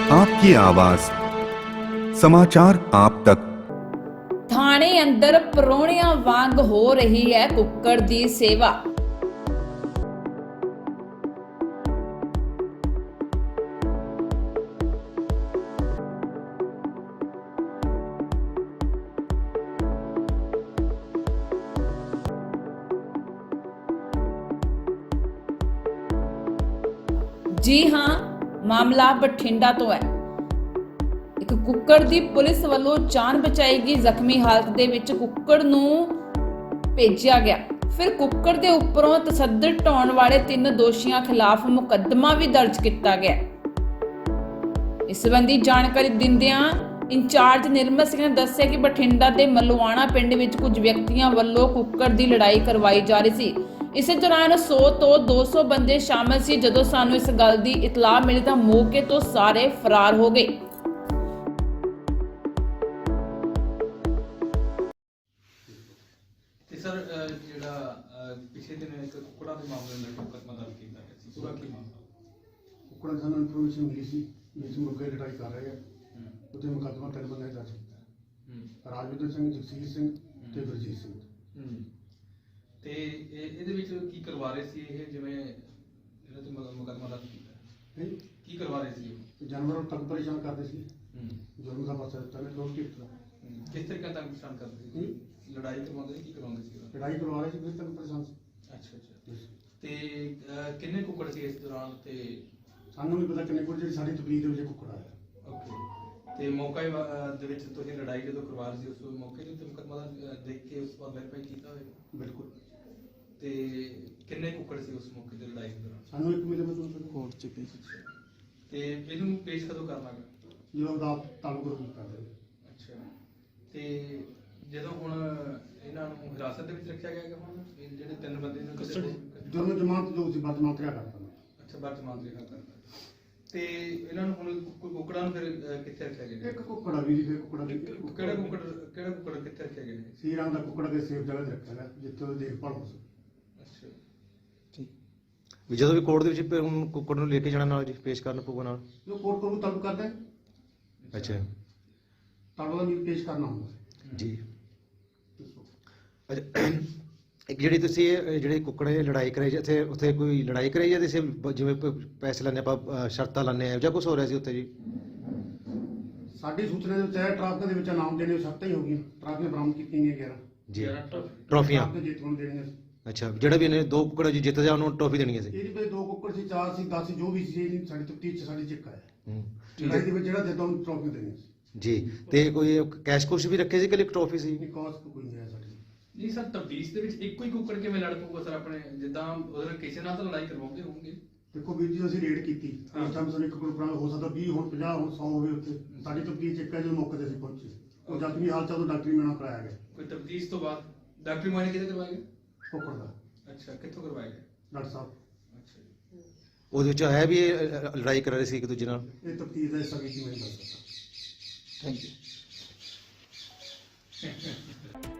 आपकी आवाज समाचार आप तक। ਥਾਣੇ ਅੰਦਰ ਪਰੋਣਿਆਂ ਵਾਂਗ ਹੋ ਰਹੀ ਹੈ ਕੁੱਕੜ ਦੀ ਸੇਵਾ। जी हाँ, मामला बठिंडा तो है। ਇੱਕ ਕੁੱਕੜ ਦੀ ਪੁਲਿਸ ਵੱਲੋਂ ਜਾਨ ਬਚਾਈ ਗਈ ਜ਼ਖਮੀ ਹਾਲਤ ਦੇ ਵਿੱਚ ਕੁੱਕੜ ਨੂੰ ਭੇਜਿਆ ਗਿਆ। ਫਿਰ ਕੁੱਕੜ ਦੇ ਉੱਪਰੋਂ ਤਸੱਦਦ ਢਾਉਣ ਵਾਲੇ 3 ਦੋਸ਼ੀਆਂ ਖਿਲਾਫ ਮੁਕੱਦਮਾ ਵੀ ਦਰਜ ਕੀਤਾ ਗਿਆ। ਇਸ ਸੰਬੰਧੀ ਜਾਣਕਾਰੀ ਦਿੰਦਿਆਂ ਇੰਚਾਰਜ ਨਿਰਮਲ ਸਿੰਘ ਨੇ ਦੱਸਿਆ ਕਿ ਬਠਿੰਡਾ ਦੇ ਮਲਵਾਣਾ ਪਿੰਡ ਵਿੱਚ ਕੁਝ ਵਿਅਕਤੀਆਂ ਵੱਲੋਂ ਕੁੱਕੜ ਦੀ ਲੜਾਈ ਕਰਵਾਈ ਜਾ ਰਹੀ ਸੀ। ਇਸੇ ਦੌਰਾਨ 100 ਤੋਂ 200 ਬੰਦੇ ਸ਼ਾਮਲ ਸੀ। ਜਦੋਂ ਸਾਨੂੰ ਇਸ ਗੱਲ ਦੀ ਇਤਲਾਹ ਮਿਲੀ ਤਾਂ ਮੌਕੇ ਤੋਂ ਸਾਰੇ ਫਰਾਰ ਹੋ ਗਏ। सर ਜਿਹੜਾ ਪਿਛਲੇ ਦਿਨ ਇੱਕ ਕੁੱਕੜਾਂ ਦੇ ਮਾਮਲੇ ਨਾਲ ਮੁਕੱਦਮਾ ਦਰਜ ਕੀਤਾ ਗਿਆ ਸੀ, ਪੂਰਾ ਕੀ ਮਾਮਲਾ? ਕੁੱਕੜਾਂ ਦੀ ਸਾਨੂੰ ਇਨਫੋਰਮੇਸ਼ਨ ਮਿਲੀ ਸੀ ਜਿਸ ਮੁਰਗੇ ਲੜਾਈ ਕਰ ਰਹੇ ਆ ਉਹਦੇ ਮੁਕੱਦਮਾ 3 ਬੰਦੇ ਦਰਜ ਕੀਤਾ। ਰਾਜਵਿੰਦਰ ਸਿੰਘ, ਜਗਸੀਰ ਸਿੰਘ ਤੇ ਗੁਰਜੀਤ ਸਿੰਘ। ਤੇ ਇਹਦੇ ਵਿੱਚ ਕੀ ਕਰਵਾ ਰਹੇ ਸੀ ਇਹ, ਜਿਵੇਂ ਜਿਹੜਾ ਤੇ ਮੁਕੱਦਮਾ ਦਰਜ ਕੀਤਾ ਕੀ ਕਰਵਾ ਰਹੇ ਸੀ ਇਹ? ਜਾਨਵਰਾਂ ਨੂੰ ਤੰਗ ਪਰੇਸ਼ਾਨ ਕਰਦੇ ਸੀ। ਜ਼ੁਲਮ ਦਾ ਪਾਸਾ ਦਿੱਤਾ ਨੇ ਲੋਕ ਕਿਸ ਤਰੀਕੇ ਤੰਗ ਪਰੇਸ਼ਾਨ ਕਰਦੇ ਸੀ? ਲੜਾਈ ਕਰਵਾਉਂਦੇ ਸੀ, ਕੀ ਕਰਵਾਉਂਦੇ ਸੀ? ਲੜਾਈ ਕਰਵਾ ਰਹੇ ਸੀ, ਫਿਰ ਤੰਗ ਪਰੇਸ਼ਾਨ ਸੀ। ਅੱਛਾ। ਤੇ ਕਿੰਨੇ ਕੁੱਕੜ ਸੀ ਇਸ ਦੌਰਾਨ? ਤੇ ਸਾਨੂੰ ਨਹੀਂ ਪਤਾ ਕਿੰਨੇ ਕੁ, ਜਿਹੜੀ ਸਾਡੀ ਤਕਲੀਫ ਦੇ ਵਿੱਚ ਕੁੱਕੜ ਆਇਆ। ਓਕੇ। ਤੇ ਮੌਕੇ ਦੇ ਵਿੱਚ ਤੁਸੀਂ ਲੜਾਈ ਜਦੋਂ ਕਰਵਾ ਰਹੇ ਸੀ ਉਸ ਮੌਕੇ ਦੇ ਉੱਤੇ ਮੁਕੱਦਮਾ ਦੇਖ ਕੇ ਉਸ ਤੋਂ ਬਾਅਦ ਵੈਰੀਫਾਈ ਕੀਤਾ ਹੋਵੇਗਾ? ਬਿਲਕੁਲ। ਤੇ ਕਿੰਨੇ ਕੁੱਕੜ ਸੀ ਉਸ ਮੌਕੇ ਤੇ ਲੜਾਈ ਦੌਰਾਨ? ਸਾਨੂੰ ਇੱਕ ਮਿਲੇ ਮਤਲਬ ਕੋਰਟ ਚ ਪੇਸ਼। ਤੇ ਇਹਨੂੰ ਪੇਸ਼ ਕਦੋਂ ਕਰਨਾ ਹੈ? ਜਦੋਂ ਉਹਦਾ ਤਾਲੁਕ ਰੂਪ ਕਰਦੇ। ਅੱਛਾ। ਤੇ ਜਦੋਂ ਹੁਣ ਇਹਨਾਂ ਨੂੰ ਹਿਰਾਸਤ ਦੇ ਵਿੱਚ ਰੱਖਿਆ ਗਿਆ ਹੈਗਾ, ਹੁਣ ਇਹ ਜਿਹੜੇ 3 ਬੰਦੇ ਨੇ ਦੋਨੋਂ ਜਮਾਨਤ ਜੋ ਸੀ ਵਰਤਮਾਨ ਤੇ ਕਰਤਾ। ਅੱਛਾ, ਵਰਤਮਾਨ ਰਿਹਾ ਕਰਦਾ। ਤੇ ਇਹਨਾਂ ਨੂੰ ਹੁਣ ਕੁੱਕੜਾਂ ਨੂੰ ਫਿਰ ਕਿੱਥੇ ਰੱਖਿਆ ਗਿਆ? ਇੱਕ ਕੁੱਕੜਾ ਵੀ ਫਿਰ ਕੁੱਕੜਾ ਵੀ ਕਿਹੜਾ ਕੁੱਕੜ ਕਿੱਥੇ ਰੱਖਿਆ ਗਿਆ? ਸੀਰਾਂ ਦਾ ਕੁੱਕੜਾ ਦੇ ਸੇਫ ਜਗ੍ਹਾ ਤੇ ਰੱਖਿਆ ਗਿਆ ਜਿੱਥੇ ਉਹਦੀ ਦੇਖਭਾਲ ਹੋ ਸਕੇ। ਅੱਛਾ। ਵੀ ਜਦੋਂ ਵੀ ਕੋਰਟ ਦੇ ਵਿੱਚ ਹੁਣ ਕੁੱਕੜ ਨੂੰ ਲੈ ਕੇ ਜਾਣਾ ਨਾਲ ਜੀ ਪੇਸ਼ ਕਰਨ ਪਊਗਾ ਨਾਲ? ਜੋ ਕੋਰਟ ਕੋਲ ਤਲਬ ਕਰਦਾ ਅੱਛਾ ਤਲਬ ਦਾ ਪੇਸ਼ ਕਰਨਾ ਹੁੰਦਾ ਜੀ। ਅੱਛਾ, ਇੱਕ ਜਿਹੜੀ ਤੁਸੀਂ ਜਿਹੜੇ ਕੁੱਕੜ ਦੀ ਲੜਾਈ ਕਰਾਈ ਜਿੱਥੇ ਉੱਥੇ ਕੋਈ ਲੜਾਈ ਕਰਾਈ ਜਾਂ ਤੁਸੀਂ ਜਿਵੇਂ ਪੈਸੇ ਲੈਣੇ ਆਪਾਂ ਸ਼ਰਤਾਂ ਲੈਣੇ ਆ ਜਾਂ ਕੁਝ ਹੋ ਰਿਹਾ ਸੀ ਉੱਥੇ ਜੀ? ਸਾਡੀ ਸੂਚਨਾ ਦੇ ਵਿੱਚ ਹੈ ਟਰੱਕ ਦੇ ਵਿੱਚ ਨਾਮ ਦੇਣੇ ਸ਼ਰਤਾਂ ਹੀ ਹੋ ਗਈਆਂ। ਟਰੱਕ ਨੇ ਬਰਾਮਦ ਕੀਤੀਆਂ ਗਈਆਂ 11 ਜੀ ਟਰੋਫੀਆਂ। ਤੇ ਜਿੱਤ ਨੂੰ ਦੇਣੀਆਂ ਸੀ। ਅੱਛਾ, ਜਿਹੜਾ ਵੀ ਇਹਨੇ 2 ਕੁੱਕੜ ਜੀ ਜਿੱਤ ਜਾ ਉਹਨੂੰ ਟਰੋਫੀ ਦੇਣੀ ਸੀ? ਇਹਦੇ ਵਿੱਚ 2 ਕੁੱਕੜ ਸੀ, 4 ਸੀ, 10 ਸੀ, ਜੋ ਵੀ ਸੀ। ਇਹ ਸਾਡੀ ਤਫਤੀਸ਼ ਚ ਸਾਡੀ ਚਿੱਕ ਆਇਆ ਠੀਕ ਦੇ ਵਿੱਚ ਜਿਹੜਾ ਜਿੱਦਾਂ ਉਹਨੂੰ ਟਰੋਫੀ ਦੇਣੀ ਸੀ ਜੀ। ਤੇ ਕੋਈ ਕੈਸ਼ ਕੁਸ਼ ਵੀ ਰੱਖੇ ਸੀ ਕਿ ਇੱਕ ਟਰੋਫੀ ਸੀ? ਨਹੀਂ, ਕਾਸਟ ਕੋਈ ਨਹੀਂ ਹੈ ਸਾਡੀ। ਨਹੀਂ ਸਰ, ਤਬਦੀਸ਼ ਦੇ ਵਿੱਚ ਇੱਕੋ ਹੀ ਕੁੱਕੜ ਕਿਵੇਂ ਲੜ ਪਊਗਾ ਸਰ? ਆਪਣੇ ਜਿੱਦਾਂ ਉਹਦੇ ਕਿਸੇ ਨਾਲ ਤਾਂ ਲੜਾਈ ਕਰਵਾਉਂਦੇ ਹੋਣਗੇ। ਦੇਖੋ ਵੀਰ ਜੀ, ਅਸੀਂ ਰੇਡ ਕੀਤੀ ਉਸ ਟਾਈਮ ਸਾਨੂੰ 1 ਕੁੱਕੜ ਹੋ ਸਕਦਾ 20 ਹੁਣ 50 ਹੁਣ 100 ਹੋਵੇ। ਉੱਥੇ ਸਾਡੀ ਤਫਤੀਸ਼ ਚਿੱਕ ਹੈ ਜਦੋਂ ਮੌਕੇ ਤੇ ਅਸੀਂ ਪਹੁੰਚੇ। ਉਹ ਜ਼ਖਮੀ ਹਾਲਤ ਤੋਂ ਡਾਕਟਰੀ ਮੇਣਾ ਕਰਾਇਆ ਗਿਆ। ਕੋਈ ਤਬਦੀਸ਼ ਤੋਂ ਬਾਅਦ ਡਾਕਟਰੀ ਮੁਆਇਨਾ ਕਿਹਦੇ ਕਰਵਾਇਆ ਗਿਆ? ਕੁੱਕੜ ਦਾ। ਅੱਛਾ, ਕਿੱਥੋਂ ਕਰਵਾਇਆ ਗਿਆ? ਡਾਕਟਰ ਸਾਹਿਬ। ਅੱਛਾ ਜੀ। ਉਹਦੇ ਵਿੱਚ ਹੈ ਵੀ ਇਹ ਲੜਾਈ ਕਰ ਰਹੇ ਸੀ ਇੱਕ ਦੂਜੇ ਨਾਲ? ਇਹ ਤਫਤੀਸ਼ ਦਾ ਹਿੱਸਾ ਵੀ ਕੀ ਮੈਂ ਦੱਸ ਸਕਦਾ। Thank you.